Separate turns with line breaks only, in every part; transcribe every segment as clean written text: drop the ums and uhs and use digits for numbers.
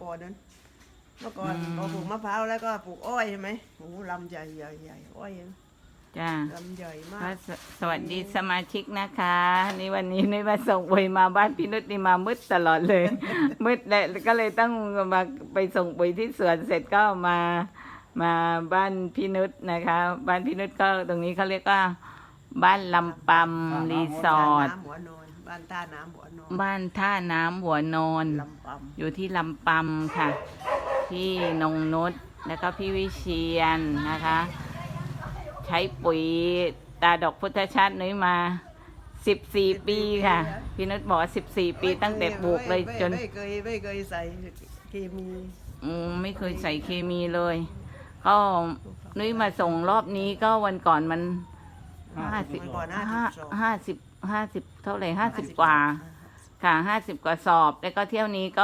ก่อนนั้นเมื่อก่อนพอปลูกมะพร้าวแล้วก็ปลูกอ้อยใช่ไหมโอ้ลำใหญ่ใหญ่ใหญ่อ้อย
จ้า
ลำใหญ่มาก
สวัสดีสมาชิกนะคะนี่วันนี้นุ้ยมาส่งปุ๋ยมาบ้านพี่นุชนี่มามืดตลอดเลย มืดเลยก็เลยต้องมาไปส่งปุ๋ยที่สวนเสร็จก็มาบ้านพี่นุชนะคะบ้านพี่นุชก็ตรงนี้เขาเรียกว่าบ้านลำปำรีสอร์ท
บ้านท่าน้ำหัวนอน
บ้านท่าน้ำหัวนอน
ลำปำ
อยู่ที่ลำปำค่ะพี่นงนุชแล้วก็พี่วิเชียนนะคะใช้ปุ๋ยตาดอกพุทธชาตินุ้ยมา14 ปีค่ะพี่นุชบอกว่า14 ปีตั้งแต่ปลูกเลยจน
ไม่เคยใส่เคมี
ไม่เคยใส่เคมีเลยก็นุ้ยมาส่งรอบนี้ก็วันก่อนมัน50เท่าไหร่50 กว่าค่ะ50 กว่าสอบแล้วก็เที่ยวนี้ก็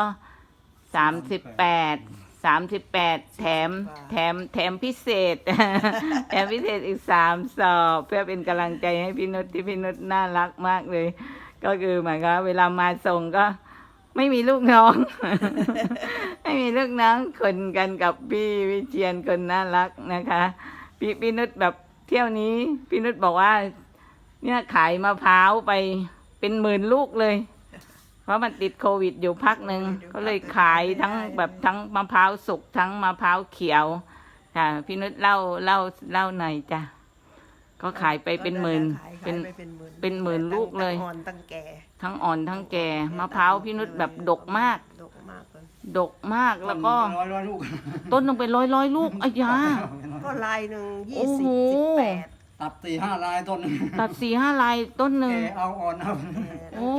38แถมพิเศษ แถมพิเศษอีก3 สอบเพื่อเป็นกำลังใจให้พี่นุชที่พี่นุชน่ารักมากเลยก็คือหมายความเวลามาส่งก็ไม่มีลูกน้อง ไม่มีลูกน้องคนกันกับพี่วิเชียนคนน่ารักนะคะพี่นุชแบบเที่ยวนี้พี่นุชบอกว่าเนี่ยขายมะพร้าวไปเป็น10,000 ลูกเลยเพราะมันติดโควิดอยู่พักหนึ่งก็เลยขายทั้งแบบทั้งมะพร้าวสุกทั้งมะพร้าวเขียวค่ะพี่นุชเล่าหน่อยจ้ะก็ขายไปเป็นหมื่นเป็นหมื่นลูกเลย
อ่อนตั้งแก่
ทั้งอ่อนทั้งแก่มะพร้าวพี่นุชแบบดกมากดกมากแล้วก็ต้นนึงเป็นร้อยลูกอ้ยา
ก็ลายหนึ่ง20-18
ตัด4-5 ลายต้น
ตัด4-5 ลายต้นหนึ่ง
เอาอ่อนเอา
โอ้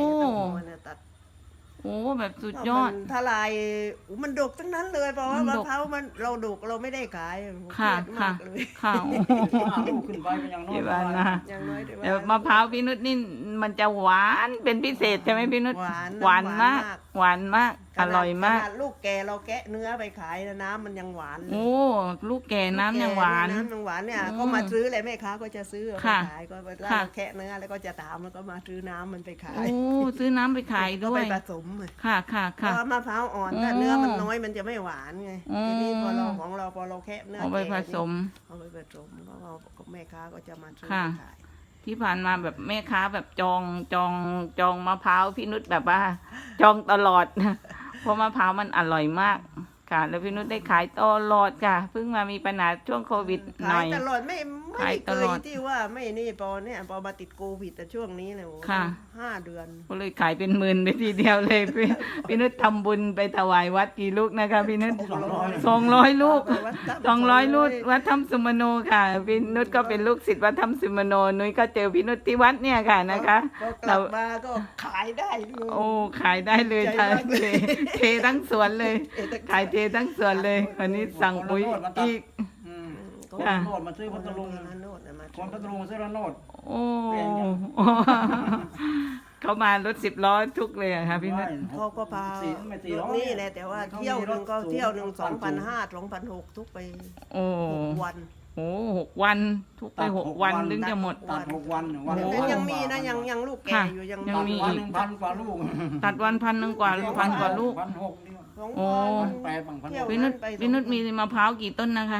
แบบสุดยอด
ถ้าลายมันดกทั้งนั้นเลยเพราะว่ามะพร้าวมันเราดกเราไม่ได้ขาย
ค่ะ
ลูกขึ้นไปเป็นอย่างน้อย
แต่มะพร้าวพี่นุชนี่มันจะหวานเป็นพิเศษใช่ไหมพี่นุชหวานมากอร่อยมาก
ลูกแก่เราแกะเนื้อไปขายน้ำมันยังหวาน
โอ้ลูกแก่น้ำยังหวาน
เนี่ยก็มาซื้อเลยแม่ค้าก็จะซื้อไปขายก็เราแคะเนื้อแล้วก็จะถามแล้วก็มาซื้อน้ำมันไปขาย
โอ้ซื้อน้ำไปขายด้วย
ไปผสม
ค่ะ
เพราะมะพร้าวอ่อนถ้าเนื้อมันน้อยมันจะไม่หวานไงทีนี้พอเราแคะเนื้อ
เอาไปผสม
แล้วแม่ค้าก็จะมาซื้อขาย
ที่ผ่านมาแบบแม่ค้าแบบจองมะพร้าวพี่นุชแบบว่าจองตลอดเพราะมะพร้าวมันอร่อยมากค่ะแล้วพี่นุชได้ขายตลอดค่ะเพิ่งมามีปัญหาช่วงโควิดหน่อย
ตลอดไม่เคยที่ว่าไม่นี่พอมาติดโควิดแต่ช่วงนี้เนี่ย5 เดือน
ก็เลยขายเป็น10,000ไปทีเดียวเลยพี่นุชทำบุญไปถวายวัดกี่ลูกนะคะพี่นุช200 ลูก200 ลูกวัดถ้ำสุมโนค่ะพี่นุชก็เป็นลูกศิษย์วัดถ้ำสุมโนนุ้ยก็เจอพี่นุชที่วัดเนี่ยค่ะนะคะ
กลับมาก็ขายได้
โอ้ขายได้เลยเททั้งสวนเลยขายเททั้งส่วนเลยวันนี้สั่งปุ๋ยอีก
โนดมาซื้อพัทลุงคนพัทลุงมาซื้อระโนด
โอ้เขามารถ10 ล้อทุกเลยค่ะพี่นุช
เขาก็พานี่แหละแต่ว่าเที่ยวหนึ่ง2,500-2,600ทุกไป6 วัน
6 วันทุกไป6 วันถึงจะหมด
ตัด6 วัน
ยังมีนะยังลูกแก่อยู่ยัง
มีอีก
1,000 กว่าลูก
ตัดวัน1,000 กว่า1,000 กว่าลูกโอ้พี่นุชมีมะพร้าวกี่ต้นนะคะ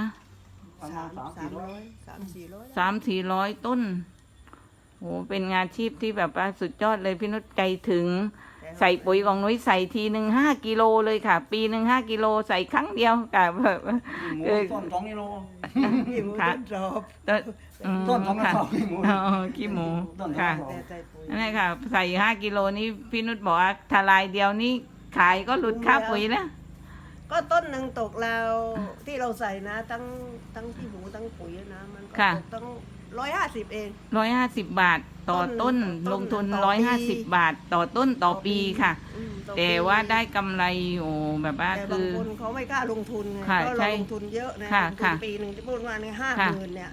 300-400 ต้นโอ้เป็นงานอาชีพที่แบบว่าสุดยอดเลยพี่นุชใจถึงใส่ปุ๋ยของนุ้ยใส่ทีหนึ่ง5 กิโลเลยค่ะปีหนึ่ง5 กิโลใส่ครั้งเดียวค่ะแบบ
ต้น2 กิโล
ค่ะ
ต้น2 กิโล
ขี้หมูค่ะนั่นแหละค่ะใส่5 กิโลนี่พี่นุชบอกว่าทลายเดียวนี่ขายก็หลุดค่าปุ๋ยแล้ว
ก็ต้นหนึ่งตกแล้วที่เราใส่นะทั้งขี้หมูทั้งปุ๋ยนะมันก็ตกตั้ง150เอง
150 บาทต่อต้นลงทุน150 บาทต่อต้นต่อปีค่ะแต่ว่าได้กำไรโอ้แบบว่าคื
อบางคนเขาไม่กล้าลงทุนเพราะเราลงทุนเยอะนะปีหนึ่งที่พูดว่าใน50,000เนี่ย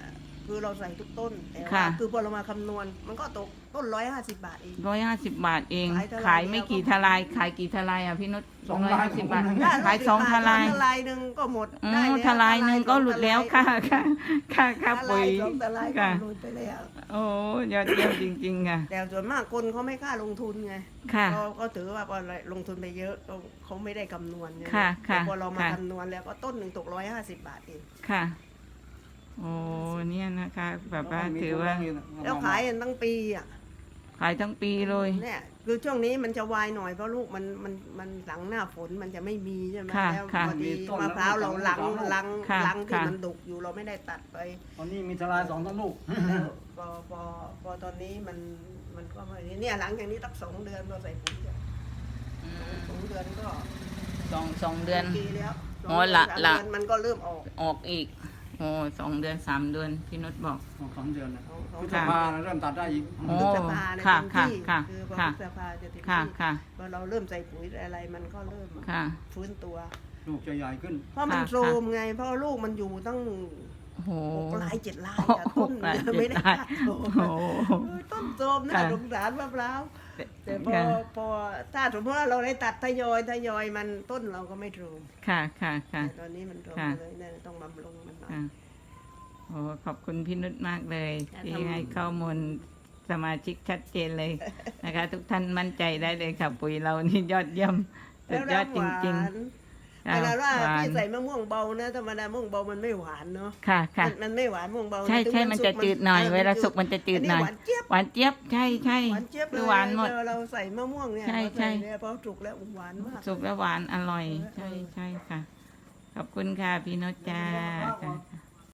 คือเราใส่ทุกต้นแต่
ค่ะ
ว่าคือพอเรามาคำนวณมันก็ตกต้น150 บาทเอง
150 บาทเอง
ขายทลาย
ขายไม่
เดียว
กี่ทลายขายกี่ทลายอ่ะพี่นุช
สองลาย
150 บาท
ได้
ขาย2ทลาย
ทลายหนึ่งก็หมด
อื
ได้
ม
แล้ว
ทลายหนึ่งก็หลุดแล้วค่ะค่ะ
ท
ปุ๋
ลาย
ย
สองทลายก็
ค่ะ
หลุดไปแล้ว
โอ้ยอดเยี่ยมจริงๆค่ะ
แต่ส่วนมากคนเขาไม่กล้าลงทุนไง
ค่ะ
เขาถือว่าพอลงทุนไปเยอะเขาไม่ได้คำนวณไง
ค่ะค่ะ
แต่พอเรามา
ค่ะ
คำนวณแล้วก็ต้นหนึ่งตก150 บาทเอง
ค่ะ โอ้เนี่ยนะคะแบบว่าถือว่า
แล้วขายกันตั้งปีอ่ะ
ขายทั้งปีเลย
เนี่ยคือช่วงนี้มันจะวายหน่อยเพราะลูกมันหลังหน้าฝนมันจะไม่มีใช่ไหม
ค่ะ
แล้ว
ค่ะ
พอดีมะพร้าวเราลัง
ค่ะ
ที่
ค่ะ
มันดกอยู่เราไม่ได้ตัดไป
ตอนนี้มีทลาย2 ต้นลูก
แล้วพอตอนนี้มันก็ไม่เนี่ยหลังจากนี้ตั้ง2 เดือนเราใส่ปุ๋ยอะ2 เดือนก็
สองเดือน
ปีแล้ว
อ๋อ
2
ละ
เดือน
ละ
3 เดือนมันก็เริ่มออก
ออกอีก โอ้2 เดือน 3 เดือนพี่นุชบอก
2 เดือนนะ
ของ
พฤษภาเริ่มตัดได้อีก
โอ้
พฤษภาเนี่ย
ค่ะ
เต็มที่
ค่ะ
คือพอ
ค่ะ
พฤษภาจะเต็ม
ค่ะ
ที่
ค่ะ
พอเราเริ่มใส่ปุ๋ยอะไรมันก็เริ่ม
ค่ะ
ฟื้นตัว
ลูกจะใหญ่ขึ้น
เพราะมัน
ค่ะ
โทรมไง เพราะลูกมันอยู่ตั้ง
โอ้โห
6 ลาย 7 ลายอะ
ห
ต้
ก
น
ลาย
ไม่ได้
เจ็ดลาย
ตัดโทรม
โอ้โห
ต้นโทรมน่า
ค่ะ
สงสารมะพร้าวแต่พอ
ค่ะ
พอถ้าสมมติว่าเราได้ตัดทยอยมันต้นเราก็ไม่โทรม
ค่ะค่ะค่ะ
แต่ตอนนี้มันโทรม
ค่ะ
เลยเนี่ยต้องบำรุงมันหน่อย
ค่ะโอ้ขอบคุณพี่นุชมากเลย
ค่ะ
ที่
ทำ
ให้ข้อมูลสมาชิกชัดเจนเลยนะคะ ทุกท่านมั่นใจได้เลยค่ะปุ๋ยเรานี่ยอดเยี่ยมสุดยอดจริง
ๆ
ๆ
เวลาว่า
หวาน
พี่ใส่มะม่วงเบานะธรรมดามะม่วงเบามันไม่หวานเนาะ
ค่ะค่ะ
มันไม่หวานมะม่วงเบา
ใช่
ถึง
ใช่มันจะจืดหน่อย เวลาสุก
มั
มันจะจืดหน่อย
หวานเจี๊ยบ
หวานเจี๊ยบใช่ใช่
หวานเจี๊ยบเล
คื
ย
อหวานหมด
เราใส่มะม่วงเนี่ย
ใช่
เรา
ใช่
ใส่เนี่ยพอสุกแล้วหวานมาก
สุกแล้วหวานอร่อย ใช่ใช่ค่ะ ขอบคุณค่ะพี่นุชจ้าจ้า